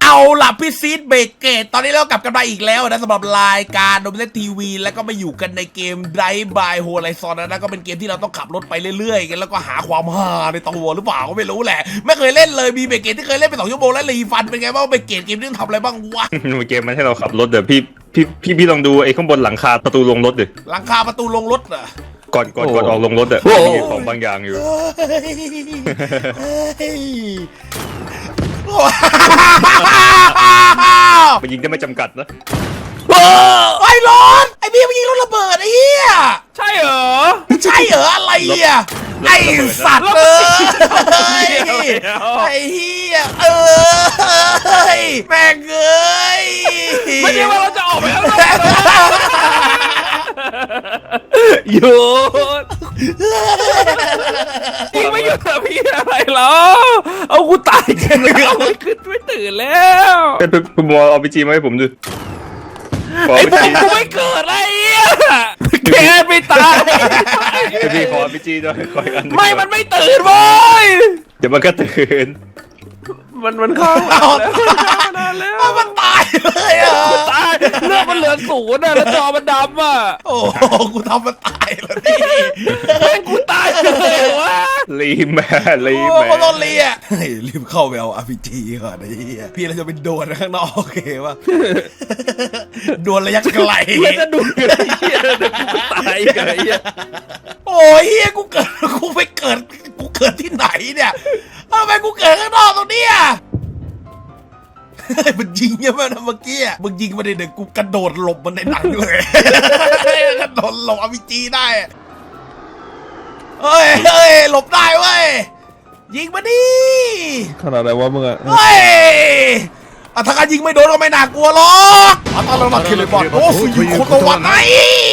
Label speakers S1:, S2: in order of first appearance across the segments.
S1: เอาล่ะพี่ซีดเบรกเกตตอนนี้เรากลับกันมาอีกแล้วนะสำหรับรายการโดมิเนตทีวีแล้วก็มาอยู่กันในเกม Drive by Horizon นะก็เป็นเกมที่เราต้องขับรถไปเรื่อยๆกันแล้วก็หาความฮาในตัวหรือเปล่าก็ไม่รู้แหละไม่เคยเล่นเลยมีเบรกเกตที่เคยเล่นไป2 ชั่วโมงแล้วรีฟันเป็นไงบ้างเบรกเกตเกมนี้ต้องทำอะไรบ้างวะ
S2: เกมมันให้เราขับรถเดี๋ยวพี่ลองดูไอ้ข้างบนหลังคาประตูลงรถดิ
S1: หลังคาประตูลงรถเหรอ
S2: ก่อนออกลงรถอะมีของบางอย่างอยู่ มันยิงได้ไม่จำกัดนะ
S1: ไอ้รถไอ้พี่มันยิงรถระเบิดไอ้เหี้ย
S3: ใช่เหรอ
S1: ใช่เหรออะไรอ่ะไอ้สัตว์เลยไอ้เหี้ยแม่งเอ้ย
S3: ไม่ใช่ว่าเราจะออกไปแล้วหยุดยิงไม่หยุดอะพี่อะไรเหรอเอากูตายกันแล้วไม่ขึ้นไม่ตื่นแล้ว
S2: เป็นมอเอาไปจีมาให้ผมดู
S3: ไอ้ผมกูไม่เกิดอะไรอ่ะแกไม่ตาย
S2: พี่ขอไปจีด้วยขออัน
S3: ไม่มันไม่ตื่นเว้ย
S2: เดี๋ยวมันก็ตื่น
S3: มันเข้าแล้วนานแล้ว
S1: มันตายเลยอ่ะ
S3: ตายเลือดมันเหลือ0อ่ะแล้วจอมันดำอ่ะ
S1: โอ้กูทำมันตายแล้วพี่
S3: แม่งกูตายเลยวะ
S2: รีแม่
S1: โอ้โดนเลียรีบเข้าไปเอา RPG ก่อนไอ้เหี้ยพี่เราจะเป็นโดนข้างนอกโอเคป่ะโดนระยะไกล
S3: มันจะดูอะไรเหี้ยเดี๋ยวกูตายกันไอ้เหี้ย
S1: โอ้ยเฮียกูไปเกิดที่ไหนเนี่ยทำไมกูเกิดข้างนอกตรงเนี้ยมันยิงยังไงนะเมื่อกี้มึงยิงมาได้เด็กกูกระโดดหลบมันในหนังเลยกระโดดหลบRPG ได้เฮ้ยหลบได้เว้ยยิงมาดิ
S3: ขนาดไหนวะมึงอะ
S1: เฮ้ยถ้าการยิงไม่โดนก็ไม่น่ากลัวหรอกอัตราลักคิเลบอลโอ้ฟูยูโคโตวะไง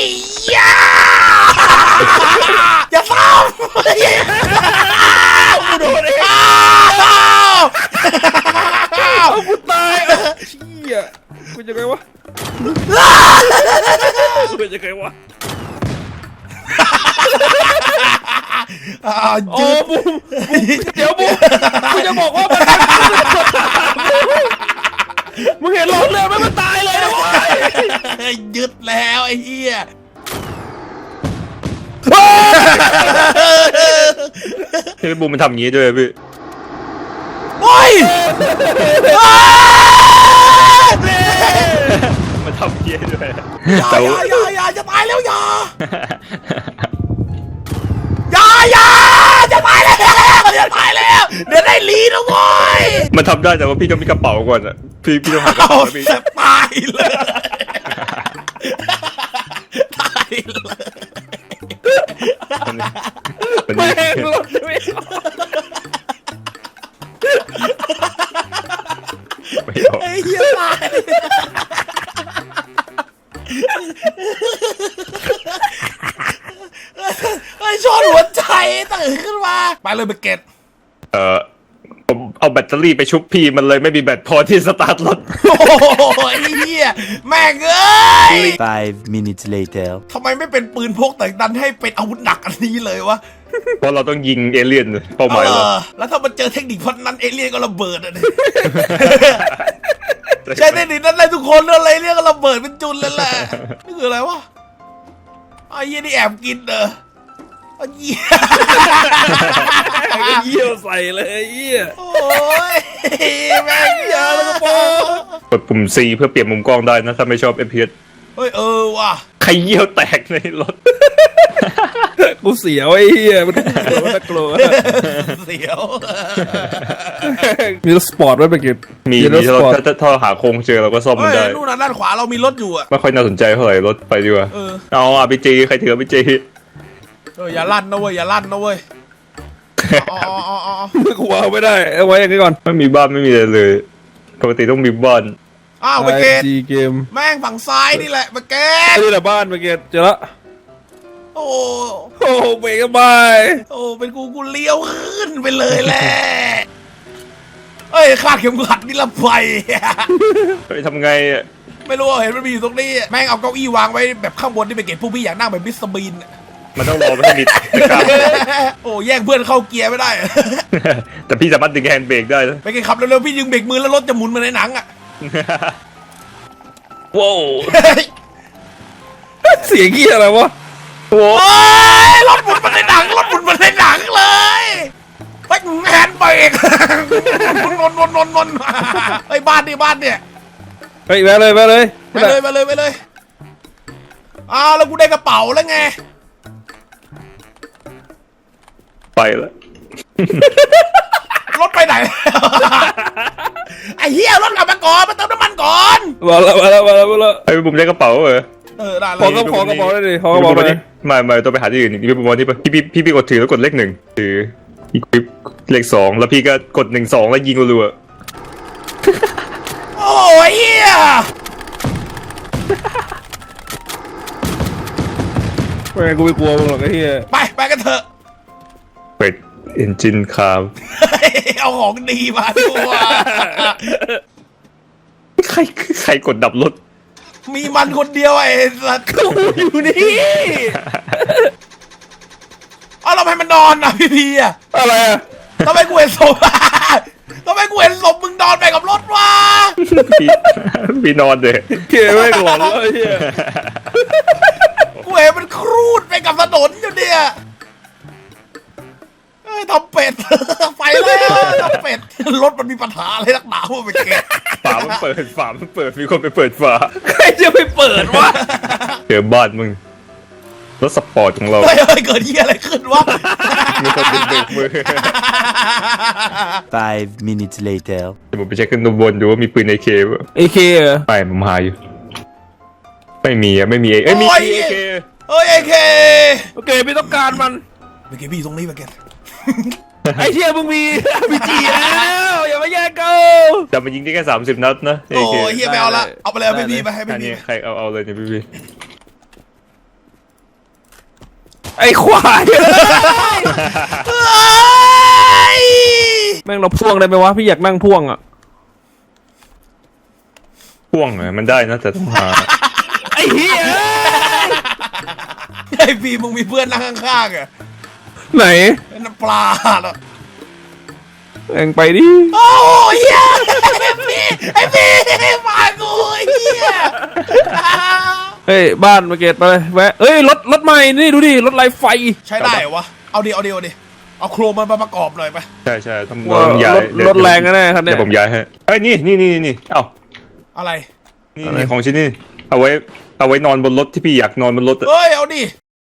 S1: อย่าซ้ำกูโดนเอง
S3: เอากูตายเชี่ยกูจะไงวะกูจะไงวะโอ้บุ้มเดี๋ยวบุ้มกูจะบอกว่ามึงเห็นรถเลยมันตายเลยนะวะ
S1: ยึดแล้วไอ้เหี้ย
S2: พี่บูมมันทำอย่างนี้ด้วยพี่
S1: โอ้ย
S2: มันทำอย่างนี้ด้วย
S1: อย่าจะตายแล้วอย่าจะตายแล้วเดี๋ยวได้ลีนะเว้ย
S2: มันทำได้แต่ว่าพี่ต้องมีกระเป๋าก่อนอะพี่ต้องหากระ
S1: เอา
S2: เป๋าพี่
S1: ตายเลยตายเลย
S3: แม่งรถไม่ออก
S2: ไม่ออก
S1: ไอ้เหี้ยตายไอ้ชอนหัวใจตื่นขึ้นมาไปเลยเบเกต
S2: ผมเอาแบตเตอรี่ไปชุบพี่มันเลยไม่มีแบตพอที่สตาร์ทรถ
S1: โอ้ยไอ้เหี้ยแม่งเอ้ย
S4: 5 minutes later
S1: ทำไมไม่เป็นปืนพกแต่ดันให้เป็นอาวุธหนักอันนี้เลยวะ
S2: เพราะเราต้องยิงเอเลี่ยนเป้าหมายเรา
S1: แล้วถ้ามันเจอเทคนิคพันนั้นเอเลี่ยนก็ระเบิดอ่ะ ใช่เทคนิคนั้นเลยทุกคนอะไรเรียกก็ระเบิดเป็นจุนเลยแหละนี่คืออะไรวะไอ้เหี้ยนี่แอบกินไอ้เหี้ย
S3: เยี่ยวใส่เลยเยี่ย
S1: โอ้ยแม่งเยอะแล้วก็
S2: กดปุ่ม C เพื่อเปลี่ยนมุมกล้องได้นะถ้าไม่ชอบ FPS
S1: เฮ้ยว่ะ
S2: ใครเยี่ยวแตกในรถ
S3: กูเสียวไอ้เหี้ยมันน่ากลัว
S1: เสียว
S3: มีรถสปอร์ตไว้ไปเก็บ
S2: มี
S3: รถสปอร์ต
S2: ถ้าหาโครงเจอเราก็ซ่อมมัน
S1: เฮ้ย
S2: ได้
S1: นู่นน่ะด้านขวาเรามีรถอยู่อ่ะ
S2: ไม่ค่อยน่าสนใจเท่าไหร่รถไปดีกว่า เอา RPG ใครถือ RPG
S1: อย่าลั่นนะเว้ยอย่าลั่นนะเว้ยอ๋อ
S3: ไม่กูเอาไม่ได้เอาไว้อย่างนี้ก่อน
S2: ไม่มีบ้านไม่มีอะไรเลยปกติต้องมีบ้าน
S1: อ้าวเบเกต
S3: จีเกม
S1: แม่งฝั่งซ้ายนี่แหละเบเกต
S3: นี่แหละบ้านไปเก็บเจอละ
S1: โอ้
S3: โอ้เบรกบาย
S1: เป็นกูเลี้ยวขึ้นไปเลยแหละเอ้ยคาดเข็มขัดนิรภัย
S2: ไปทำไงอะ
S1: ไม่รู้เห็นมันมีอยู่ตรงนี้แม่งเอาเก้าอี้วางไว้แบบข้างบนที่เบเกตพวกพี่อยากนั่งแบบมิสเตอร์บีน
S2: มันต้องรอไม่ให้มีกล้าม
S1: โอ้แย่งเพื่อนเข้าเกียร์ไม่ได้
S2: แต่พี่สามารถดึงแฮนด์เบรกได้นะ
S1: ไปขับเร็วๆพี่ดึงเบรกมือแล้วรถจะหมุนเหมาในหนังอ่ะ
S3: ว้าวเสียงเกี้ยอะไรวะ
S2: โอ้
S1: โอ้ยรถหมุนเหมาในหนังรถหมุนเหมาในหนังเลยไปแฮนด์เบรกนนไอ้บ้านเนี่ย
S3: ไปแวะเลยแวะเลย
S1: ไปเลยอ้าวแล้วกูได้กระเป๋าแล้วไง
S2: ไปแล้ว
S1: รถไปไหน ไอ้เหี้ยรถกลับมาก่อนมาเติมน้ำมันก่อน
S3: มาแล้วมาแล้วมาแล้วมาแล้ว
S2: ไอ้บุ๋มได้กระเป๋าเหรอ
S1: ได้เล
S3: ขอย กระเป๋าได้ดิขอกระ
S2: บุ๋
S3: เป๋าม ได้
S2: ไม่ต้องไปหาที่อื่นอีกพี่บุ๋มวันที่พี่กดถือแล้วกดเลข 1ถืออีกเลข 2แล้วพี่ก็กด1 2แล้วยิงรัว
S1: โอ้ยเหี้ย
S3: ไม่งั้นกูไม่กลัวมึงหรอกไอ้เหี้ย
S1: ไปกันเถอะ
S2: ๆเป็ดเอนจินคาร์
S1: เอาของดีมาด้วย
S2: ใครกดดับรถ
S1: มีมันคนเดียวไอ้สัตว์
S3: อยู่นี่
S1: เอาเราให้มันนอนนะพี่อ่ะ
S3: อะไรอะ
S1: ทำไมกูเห็นศพ ทำไมกูเห็นศพมึงนอนไปกับรถวะ
S2: พี่นอนเด้
S3: เกย์ไม่งหลอนเลยไอ้เหี้ย
S1: กูเห็นมันครูดไปกับถนนอยู่เนี่ยเอ้ยทำเป็ด ไปแล้วทำเป็ดรถมันมีปัญหาอะไรนักหนาวะไปเกะ
S2: ฝามันเปิดมีคนไปเปิดฝา
S3: ใครจะไปเปิดวะ
S2: เจอบ้านมึงรถสปอร์ตของเรา
S1: เฮ้ยเกิดเหี้ยอะไรขึ้นวะ
S2: มีคนดึงเบรกมือ
S4: 5 minutes later.
S2: เดี๋ยวผมไปเช็คขึ้นบนดูว่ามีปืน AK ป่ะ
S3: เอเคเหรอ
S2: ไม่ผมหาอยู่ไม่มีมีเอ้ยมี AK
S1: เฮ้ยไอ้เค
S3: โอเคไม่ต้องการมัน
S1: ไปเกะพี่ตรงนี้ไปเกะ
S3: ไอ้เชี่ยมึงมีมีจีแล้วอย่ามาแย่งกู
S2: แต่มันยิงได้แค่30 นัดนะ
S1: โอ้
S2: AK
S1: ยเฮียไม่เอาละเอาไปเลยไม่มีไปให้ไม่
S2: อัน
S1: มี
S2: นี้ใครเอาเลยเนี่ยพี่
S3: ไอ้ควาย
S1: เฮ้ย
S3: แม่งเราพ่วงได้ไหมวะพี่อยากนั่งพ่วงอ่ะ
S2: พ่วงมันได้นะแต่ต้องหา
S3: ไอ้เหี้ย
S1: ไอ้พี่มึงมีเพื่อนนั่งข้างๆอ่ะ
S3: ไหน
S1: น้ำปลาเหรอ
S3: แม่งไปดิ
S1: โอ้ยเฮียไอ้พี่มากูเฮีย
S3: เฮ้ยบ้านมาเกตไปเลยแวะเอ้ยรถใหม่นี่ดูดิรถไฟไฟ
S1: ใช้ได้เหรอวะเอาดิเอาโครมันมาประกอบหน่อยไป
S2: ใช่ต้องย้าย
S3: รถแรงแน่ครับเนี่
S2: เดี๋
S3: ย
S2: ยวผมย้ายให้เอ้ยนี่เอ้า
S1: อะไร
S2: นี่ของชิ้นนี้เอาไว้นอนบนรถที่พี่อยากนอนบนรถ
S1: เฮ้ยเอาดิ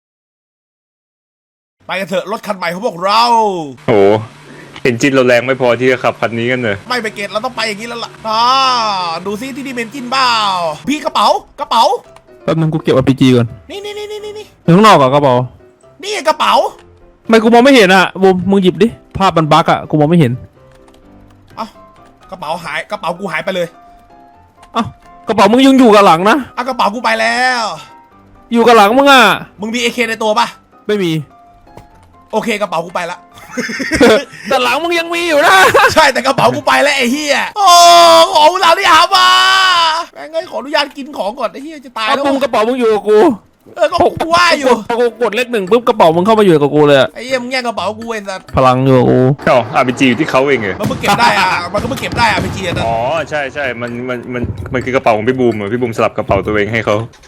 S1: ไปกันเถอะรถคันใหม่ของพวกเรา
S2: โอ้เอนจินเราแรงไม่พอที่จะขับคันนี้กันเลย
S1: ไม่ไปเกตเราต้องไปอย่างนี้แล้วล่ะดูซิที่นี่เมนจินเปล่าพี่กระเป๋า
S3: แป๊บนึงกูเก็บ RPG ก่อน
S1: นี่
S3: ข้างนอกอ่ะกระเป๋า
S1: นี่กระเป๋า
S3: ทำไมกูมองไม่เห็นอ่ะบูมมึงหยิบดิภาพมันบั๊กอ่ะกูมองไม่เห็น
S1: เอ้ากระเป๋าหายกระเป๋ากูหายไปเลย
S3: เอ้ากระเป๋ามึงยังอยู่กับหลังนะ
S1: เอากระเป๋ากูไปแล้ว
S3: อยู่กับหลังมึงอ่ะ
S1: มึงมี AK ในตัวปะ
S3: ไม่มี
S1: โอเคกระเป๋ากูไปละ
S3: แต่หลังมึงยังมีอยู่นะ
S1: ใช่แต่กระเป๋ากูไปแล้วไอ้เหี้ยโอ้ของเราที่หามาแม่งเอ้ยขออนุญาตกินของก่อนไอ้เหี้ยจะตาย
S3: เอา
S1: แล้ว
S3: ปุ้มกระเป๋ามึงอยู่กับกู
S1: ก็กูว่าอยู่
S3: พอกูกดเลขหนึ่งปุ๊บกระเป๋ามึงเข้ามาอยู่กับกูเลยอะ
S1: ไอ้เหี้ยมึงแย่งกระเป๋ากูไอ้สัส
S3: พลังอยู่กับกู
S2: เอ้า RPG อยู่ที่เขาเองเหรอ
S1: มันเพิ่งเก็บได้อ่ะมันก็เพิ่งเก็บได้อ่ะไปเจียนะ
S2: อ๋อใช่มันคือกระเป๋าของพี่บูมพี่บูมสลับกระเป๋าตัวเองให้เขา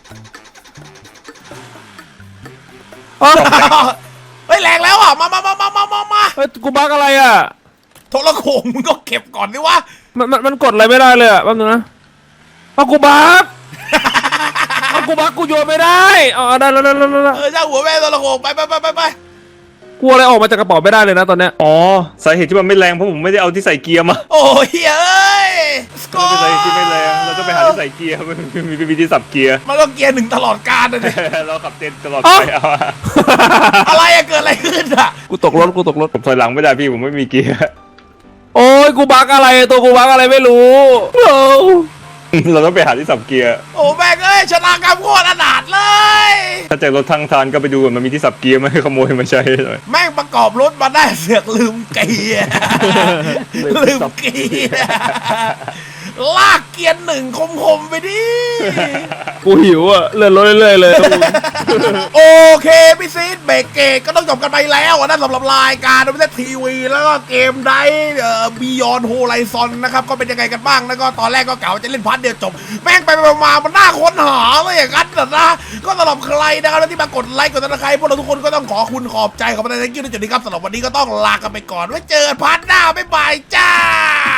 S1: เฮ้ยแรงแล้วอ่ะมา
S3: เฮ้ยกูบั๊กอะไรอ่ะ
S1: โทรโขงมึงก็เก็บก่อนดิวะ
S3: มันกดอะไรไม่ได้เลยอ่ะแป๊บนึงนะเอากูบั๊ก เอากูบั๊กกูโยนไม่ได้เอาได้แล้ว
S1: ช่างหัวแม่โทรโขงไป
S3: กูอะไรออกมาจากกระเป๋าไม่ได้เลยนะตอนเนี้ย
S2: อ๋อสาเหตุที่มันไม่แรงเพราะผมไม่ได้เอาที่ใส่เกียร์มา
S1: โอ้ยเอ้ยสกอ
S2: ไม่
S1: ร์
S2: ใช่ที่ไม่แรงเราต้องไปหาที่ใส่เกียร์มันมีวิธีสับเกียร์
S1: มันต้องเกียร์หนึ่งตลอดกาลนะเนี่ย
S2: เราขับเต็นตลอดไปเอา
S1: อะไรอะเกิดอะไรขึ้นอะ
S3: กูตกรถ
S2: ผมถอยหลังไม่ได้พี่ผมไม่มีเกียร์
S3: โอ้ยกูบั๊กอะไรตัวกูบั๊กอะไรไม่รู้โอ้
S2: เราต้องไปหาที่สับเกียร์
S1: โอ้แม่งเอ้ยชะตากรรมโคตรอนาถเลย
S2: ถ้าเจอรถทั้งทานก็ไปดูมันมีที่สับเกียร์ไหมขโมยมาใช้หน่อย
S1: แม่งประกอบรถมาได้เสือกลืมเกียร์ลืมเกียร์ลากเกียร์หนึ่งคมๆไปดิ
S3: กูหิวอ่ะเลื่อนรถเรื่อยๆเลย
S1: โอเคพี่ซีดเบรกเกตก็ต้องจบกันไปแล้วนะสำหรับรายการดูเล่นทีวีแล้วก็เกมไดบียอนโฮไลซอนนะครับก็เป็นยังไงกันบ้างแล้วก็ตอนแรกก็กะว่าจะเล่นพาร์ทเดียวจบแม่งไปมามันน่าค้นหาเลยอย่างนั้นนะก็สำหรับใครนะครับที่มากดไลค์กดติดตามพวกเราทุกคนก็ต้องขอบคุณขอบใจขอบคุณในที่นี้ครับสำหรับวันนี้ก็ต้องลากันไปก่อนไว้เจอกันพาร์ทหน้าบ๊ายบายจ้า